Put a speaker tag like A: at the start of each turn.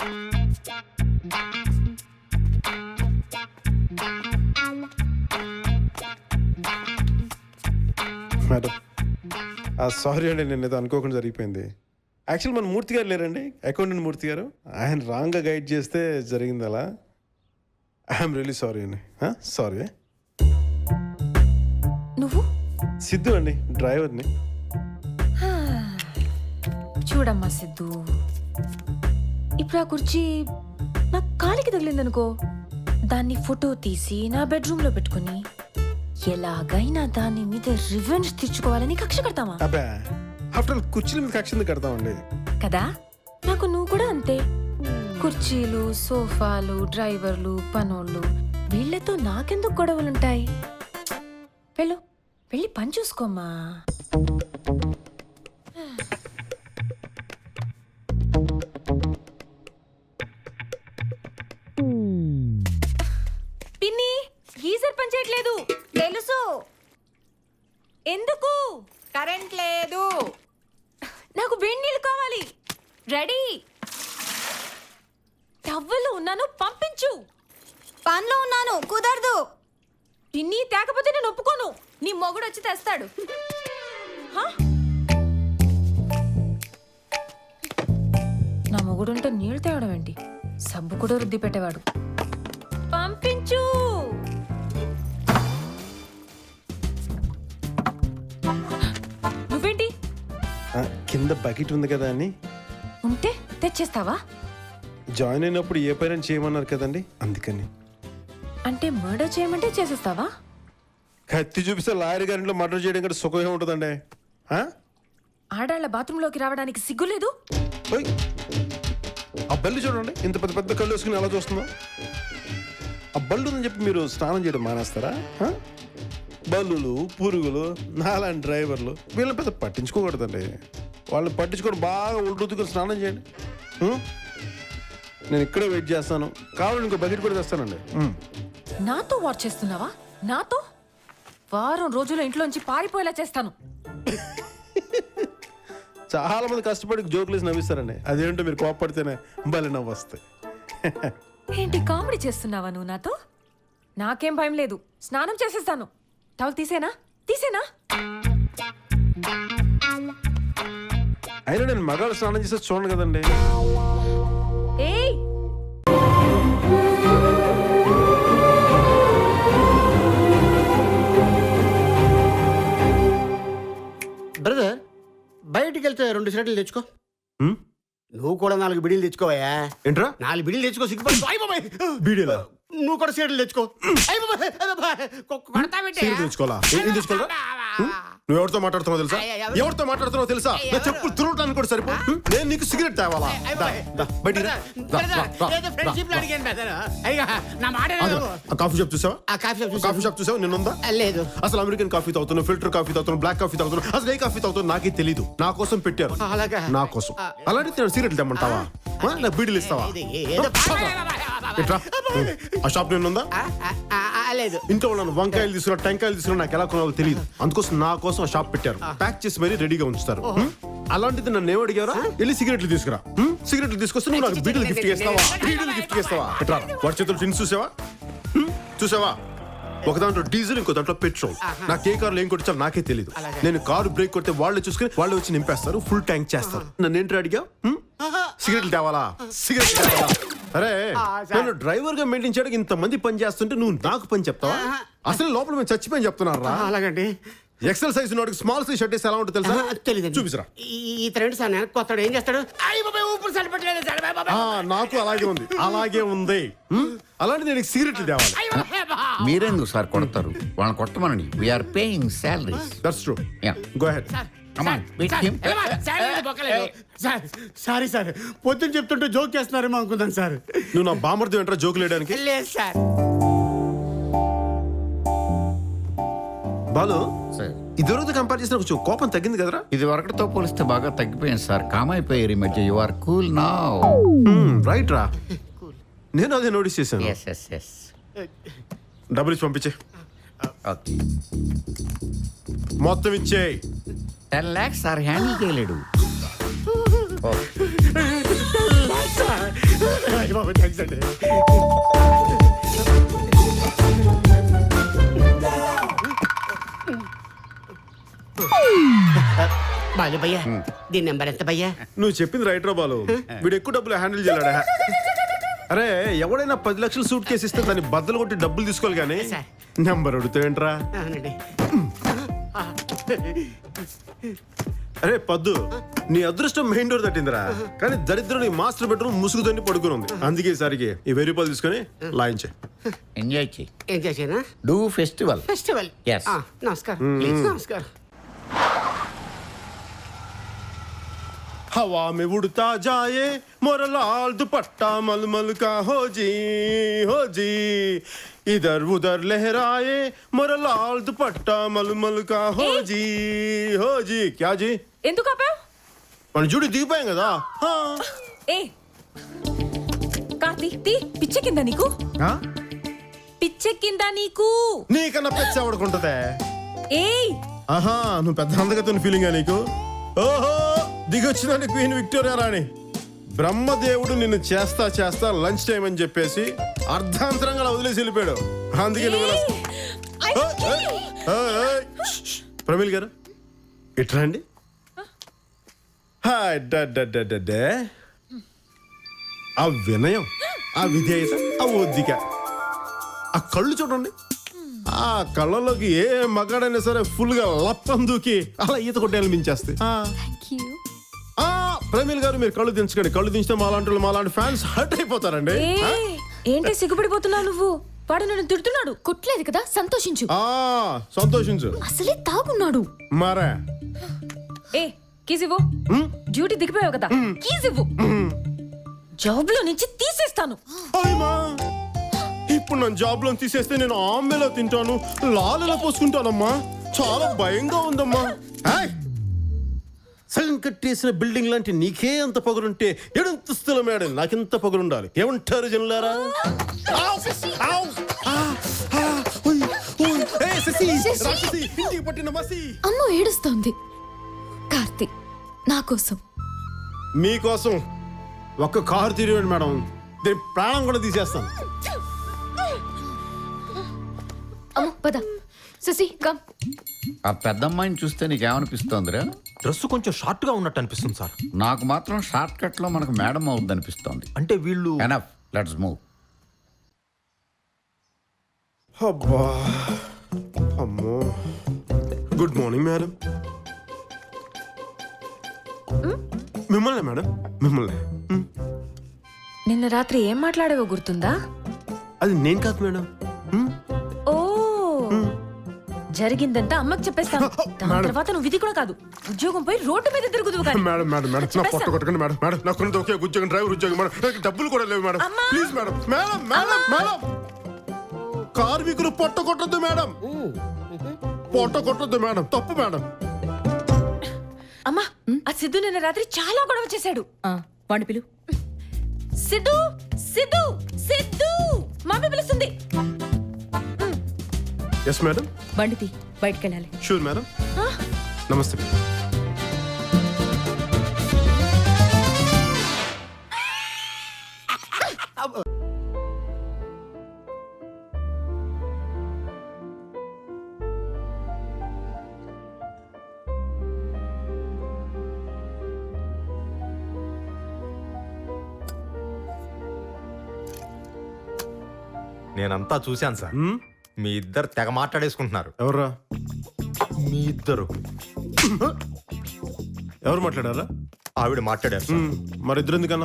A: Madam sorry అండి, నేను ఏదో అనుకోకుండా జరిగిపోయింది. యాక్చువల్ మన మూర్తి గారు లేరండి, అకౌంటెంట్ మూర్తి గారు. ఆయన రాంగ్గా గైడ్ చేస్తే జరిగింది అలా. ఐఎమ్ రియలీ సారీ అండి. సారీ.
B: నువ్వు?
A: సిద్ధు అండి, డ్రైవర్ని.
B: చూడమ్మా సిద్ధు, ఇప్పుడు ఆ కుర్చీ నా కాలికి తగిలిందనుకో, దాన్ని ఫోటో తీసి నా బెడ్రూమ్ లో పెట్టుకుని ఎలాగైనా దాని మీద రివెంజ్ తీర్చుకోవాలని కక్ష కడతామా?
A: అబ్బా, ఆఫ్టర్ కుర్చీల మీద కక్ష ఎందుకు కడతామండి? కదా,
B: నాకు నువ్వు కూడా అంతే. కుర్చీలు, సోఫాలు, డ్రైవర్లు, పనోళ్ళు, వీళ్ళతో నాకెందుకు గొడవలుంటాయి? వెళ్ళు, వెళ్ళి పని చూసుకోమ్మా. పిన్ని, గీజర్ పని చేయట్లేదు.
C: తెలుసు.
B: ఎందుకు?
C: కరెంట్ లేదు.
B: నాకు వేడి నీళ్ళు కావాలి. రెడీ. టవ్వలు ఉన్నాను, పంపించు.
C: పనిలో ఉన్నాను, కుదరదు.
B: పిన్ని తేకపోతే నేను ఒప్పుకోను.
C: నీ మొగుడు వచ్చి తెస్తాడు.
B: నా మొగుడుంటే నీళ్ళు తేవడం ఏంటి? సబ్బు కూడా రుద్ది పెట్టేవాడు. పంపించు. నువ్వేంటి?
A: కింద బకెట్ ఉంది కదా అని.
B: ఉంటే తెచ్చేస్తావా?
A: జాయిన్ అయినప్పుడు ఏ పైన చేయమన్నారు కదండి, అందుకని.
B: అంటే మర్డర్ చేయమంటే చేసేస్తావా?
A: కత్తి చూపిస్తే లాయర్ గారింట్లో మర్డర్ చేయడం కంటే సుఖంగా ఉంటుందండి.
B: ఆడాళ్ల బాత్రూంలోకి రావడానికి సిగ్గులేదు?
A: ఆ బల్లి చూడండి, ఇంత పెద్ద పెద్ద కళ్ళు వేసుకుని ఎలా చూస్తుందో. ఆ బల్లు ఉందని చెప్పి మీరు స్నానం చేయడం మానేస్తారా? బల్లులు, పురుగులు, నాలాంటి డ్రైవర్లు వీళ్ళని పెద్ద పట్టించుకోకూడదండి. వాళ్ళని పట్టించుకొని బాగా ఉల్లుతుకుని స్నానం చేయండి. నేను ఇక్కడే వెయిట్ చేస్తాను, కావాలని ఇంకో బకెట్ కూడా తెస్తానండి.
B: నాతో వాచ్ చేస్తున్నావా? నాతో వారం రోజుల ఇంట్లోంచి పారిపోయేలా చేస్తాను.
A: చాలా మంది కష్టపడి జోకులు వేసి నవ్విస్తారండి, అదేంటో మీరు కోపడితేనే భలే నవ్వు వస్తాయి.
B: ఏంటి కామెడీ చేస్తున్నావా నువ్వు నాతో? నాకేం భయం లేదు, స్నానం చేసేస్తాను. టవల్ తీసేనా? తీసేనా?
A: అయినా నేను మగాళ్ళు స్నానం చేస్తే చూడండి కదండి.
B: ఏయ్,
D: బ్రదర్, బయటికి వెళ్తే 2 సిగరెట్లు తెచ్చుకో. నువ్వు కూడా 4 బిడీలు తెచ్చుకోవయ్యా.
A: ఏంట్రా?
D: 4 బిడీలు తెచ్చుకో, సిగ్గుపడి.
A: బీడీలా?
D: నువ్వు కూడా సిగరెట్లు తెచ్చుకో.
A: తెచ్చుకోవాలా? ఏం తెచ్చుకోవాలా? నువ్వు ఎవరితో మాట్లాడుతున్నావు తెలుసా? ఎవరితో మాట్లాడుతున్నావు తెలుసా? నా చెప్పులు తురవటానికి కూడా సరిపో. నేను నీకు సిగరెట్ తేవాలా? కాఫీ షాప్ చూసావా? కాఫీ షాప్ చూసావా? నిన్నుందా?
D: లేదు.
A: అసలు అమెరికన్ కాఫీ తాగుతున్నావు, ఫిల్టర్ కాఫీ తాగుతున్నావు, బ్లాక్ కాఫీ తాగుతున్నావు, అసలు ఏ కాఫీ తాగుతున్నావు నాకే తెలీదు. నా కోసం పెట్టారు, నా కోసం. అలాంటి నేను సిగరెట్లు తెమ్మంటావా? నా బీడీలు ఇస్తావా? ఆ షాప్ నిన్నుందా?
D: లేదు.
A: ఇంట్లో ఉన్నాను, వంకాయలు తీసుకున్నా, టెంకాయలు తీసుకున్నా, నాకు ఎలా కొనాలో తెలియదు. అందుకోసం నా కోసం ఆ షాప్ పెట్టారు, ప్యాక్ చేసి మరీ రెడీగా ఉంచుతారు. అలాంటిది నన్ను ఏమడిగారా? వెళ్ళి సిగరెట్లు తీసుకురా. సిగరెట్లు తీసుకొస్తే నువ్వు నాకు బీడీలు గిఫ్ట్ చేస్తావా? బీడీలు గిఫ్ట్ చేస్తావా? ఎట్లా వాడి చేతులు టిన్స్ చూసావా? చూసావా? ఒక దాంట్లో డీజిల్, ఇంకో దాంట్లో పెట్రోల్. నాకు ఏ కార్లో ఏం కొట్టించాలో నాకే తెలియదు. నేను కారు బ్రేక్ కొడితే వాళ్ళే చూసుకుని వాళ్ళే వచ్చి నింపేస్తారు, ఫుల్ ట్యాంక్ చేస్తారు. నన్ను ఏంటి అడిగా? సిగరెట్లు తేవాలా? సిగరెట్లు తేవాలా? అరే, నేను డ్రైవర్ గా మెయింటైన్ చేయడానికి ఇంతమంది పని చేస్తుంటే నువ్వు నాకు పని చెప్తావా? అసలు లోపల మేము చచ్చిపోయి చెప్తున్నారా?
D: అలాగండి.
A: ఎక్సెల్ సైజ్ నోటికి స్మాల్ సైజ్ షర్ట్ వేస్తే ఎలా ఉంటుంది తెలుసా?
D: తెలియదు.
A: చూపిసరా.
D: ఈ ఫ్రెండ్ సార్ కొత్తడు ఏం చేస్తాడు?
A: నాకు అలాగే ఉంది, అలాగే ఉంది. అలాంటి నేను సిగరెట్లు తేవాలి.
E: మీరెందుకు సార్ కొడతారు? వాళ్ళని కొట్టమనండి. We're paying salaries.
A: That's true. Go ahead.
D: Sorry sir, పొద్దున్న చెప్తుంటే జోక్ చేస్తున్నారేమో అనుకుందాం సార్.
A: నువ్వు నా బామర్ది వెంటరా జోకులు వేయడానికి?
D: లేదు సార్.
A: బాలు, ఇదివరకు కంపేర్ చేసిన కొంచెం కోపం తగ్గింది కదరా?
E: ఇది వరకటితో పోలిస్తే బాగా తగ్గిపోయింది సార్. కామ్ అయిపోయారు ఈ మధ్య. You are cool now.
A: Right రా, నేను అదే నోటీస్ చేశాను. డబ్బులు ఇచ్చి పంపించే. మొత్తం ఇచ్చేయి.
E: 10 lakhs సార్ హ్యాండిల్ చేయలేడు.
A: థ్యాంక్స్ అండి.
D: బాలు భయ్యా దీని నెంబర్ ఎంత భయ్యా?
A: నువ్వు చెప్పింది రైట్ రా బాలు. వీడు ఎక్కువ డబ్బులు హ్యాండిల్ చేయలేడా? అరే ఎవడైనా 10 లక్షలు సూట్ కేసు ఇస్తే దాన్ని బద్దలు కొట్టి డబ్బులు తీసుకోవాలి కానీ
D: సార్.
A: నెంబర్ అడుగుతావేంట్రా?
D: అవునండి.
A: అరే పద్దు, నీ అదృష్టం మెయిన్ డోర్ తట్టిందిరా, కానీ దరిద్రం నీ మాస్టర్ బెడ్రూమ్ ముసుగుతోని పడుకుని ఉంది. అందుకే ఈసారికి ఈ 1000 రూపాయలు తీసుకొని లాయించే.
E: ఎంజాయ్ చేయి.
D: ఏం చేసేనా?
E: Do festival.
D: ఫెస్టివల్.
E: Yes.
D: నమస్కారం ప్లీజ్. నమస్కారం.
A: हवा में उड़ता जाए मोरा लाल दुपट्टा मलमल का हो जी इधर उधर लहराए मोरा लाल दुपट्टा मलमल का हो जी क्या जी
B: ఎందుకు ఆపావు?
A: మన జూడి దిగిపోయాం కదా. హా.
B: ఏ కార్తీ తీ, పిచ్చెక్కిందా నీకు? పిచ్చెక్కిందా నీకు?
A: నీకన్నా పెచ్చ ఎవడుకుంటదే?
B: ఏయ్
A: ఆహా, నువ్వు పెద్ద అందగతున్న ఫీలింగా నీకు? ఓహో, దిగొచ్చిందండి క్వీన్ విక్టోరియా రాణి. బ్రహ్మదేవుడు నిన్ను చేస్తా లంచ్ టైం అని చెప్పేసి అర్ధాంతరంగా అలా వదిలేసి వెళ్ళిపోయాడు. అందుకే నువ్వు ఇలా- ప్రమీల్ గారు ఇట్రా అండి. Hi day. ఆ వినయం, ఆ విధేయత, ఆ ఒద్దిక, ఆ కళ్ళు చూడండి. ఆ కళ్ళలోకి ఏ మగాడైనా సరే ఫుల్ గా లప్పం దూకి అలా ఈత కొట్టేయాలని మించేస్తే. ప్రమీల్ గారు మీరు కళ్ళు దించకండి. కళ్ళు దించితే మాలాంటి ఫ్యాన్స్ హర్ట్ అయిపోతారండి.
B: ఏంటి సిగ్గుపడిపోతున్నావు నువ్వు? వాడు నన్ను తిడుతున్నాడు.
F: కొట్టలేదు కదా, సంతోషించు.
A: సంతోషించు.
F: అసలే తాగున్నాడు.
A: మరే
B: ఏ కీస్ ఇవ్వు. డ్యూటీ దిగిపోయావు కదా, కీస్ ఇవ్వు. జాబ్ లో నుంచి తీసేస్తాను.
A: అయ్యమా, ఇప్పుడు నన్ను జాబ్ లో తీసేస్తే నేను ఆమెలో తింటాను, లాలలో పోసుకుంటానమ్మా. చాలా భయంగా ఉందమ్మా. సగం కట్టేసిన బిల్డింగ్ లాంటి నీకే అంత పొగరుంటే ఎడంతస్తుల మేడం నాకెంత పొగరుండాలి? ఏమంటారు జనులారా? ఇంటికి పట్టిన మసి
F: అమ్మ ఏడుస్తోంది. కార్తీ నా కోసం.
A: మీకోసం ఒక్క కారు తిరిగాడు మేడం, దీని ప్రాణం కూడా తీసేస్తాను.
F: అమ్మ పద. శశి కమ్.
E: ఆ పెద్దమ్మాయిని చూస్తే నీకేమనిపిస్తోందిరా?
G: డ్రెస్ కొంచెం షార్ట్ గా ఉన్నట్టు అనిపిస్తుంది సార్.
E: నాకు మాత్రం షార్ట్ కట్ లో మనకు మేడం అవుద్ది అనిపిస్తోంది.
G: అంటే వీళ్ళు
E: ఎనఫ్, లెట్స్ మూవ్.
A: అబ్బా, అమ్మో. Good morning madam. మిమ్మల్ని మేడం, మిమ్మల్ని.
B: నిన్న రాత్రి ఏం మాట్లాడావో గుర్తుందా?
A: అది నేను కాదు మేడం.
B: ఓ జరిగిందంతా అమ్మకి చెప్పేస్తాను. దాని
A: మేడం.
B: తర్వాత నువ్వు ఇది కూడా కాదు, ఉద్యోగం పోయి రోడ్డు మీద తిరుగుదువు కానీ.
A: మేడం మేడం మేడం నా పొట్ట కొట్టకండి మేడం. మేడం నాకు ఉన్నది ఒకే ఉద్యోగం, డ్రైవర్ ఉద్యోగం మేడం. నాకు డబ్బులు కూడా లేవు మేడం.
B: అమ్మా.
A: Please madam. Madam madam madam, కార్మికులు పొట్ట కొట్టద్దు మేడం. పొట్ట కొట్టద్దు మేడం, తప్పు మేడం.
B: అమ్మా, ఆ సిద్ధు నిన్న రాత్రి చాలా గొడవ చేశాడు.
F: వాడి పిలు.
B: సిద్ధు సిద్ధు సిద్ధు, మమ్మీ పిలుస్తుంది.
A: Yes madam.
F: బండితి బయటకెళ్ళాలి.
A: Sure madam. నమస్తే.
G: నేనంతా చూశాను సార్. మీ ఇద్దరు తెగ మాట్లాడేసుకుంటున్నారు.
A: ఎవర్రా?
G: మీ ఇద్దరు
A: ఎవరు మాట్లాడారా?
G: ఆవిడ మాట్లాడారు సార్.
A: మరి ఇద్దరు ఎందుకన్నా?